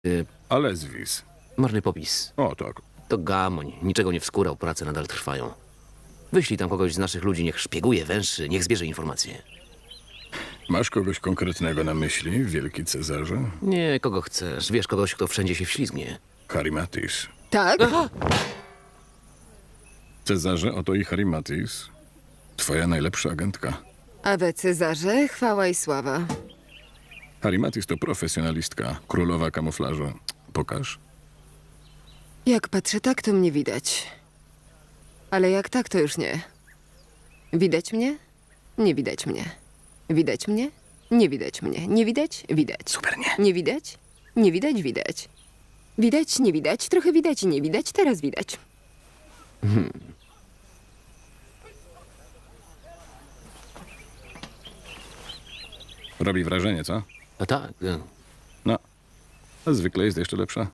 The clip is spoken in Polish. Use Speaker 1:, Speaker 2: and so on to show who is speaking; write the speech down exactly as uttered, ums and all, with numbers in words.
Speaker 1: Y,
Speaker 2: Alezwis.
Speaker 1: marny popis.
Speaker 2: O, tak.
Speaker 1: To gamoń. Niczego nie wskórał, prace nadal trwają. Wyślij tam kogoś z naszych ludzi, niech szpieguje, węszy, niech zbierze informacje.
Speaker 2: Masz kogoś konkretnego na myśli, wielki Cezarze?
Speaker 1: Nie, kogo chcesz. Wiesz, kogoś, kto wszędzie się wślizgnie.
Speaker 2: Harimatis.
Speaker 3: Tak?
Speaker 2: Cezarze, oto i Harimatis. Twoja najlepsza agentka.
Speaker 3: A we Cezarze chwała i sława.
Speaker 2: Harimatis to profesjonalistka, królowa kamuflażu. Pokaż.
Speaker 3: Jak patrzę tak, to mnie widać. Ale jak tak, to już nie. Widać mnie? Nie widać mnie. Widać mnie? Nie widać mnie. Nie widać? Widać.
Speaker 1: Super, nie?
Speaker 3: Nie widać? Nie widać? Widać. Widać? Nie widać. Trochę widać i nie widać. Teraz widać.
Speaker 2: Robi wrażenie, co?
Speaker 1: A tak. y,
Speaker 2: No. A zwykle jest jeszcze lepsza.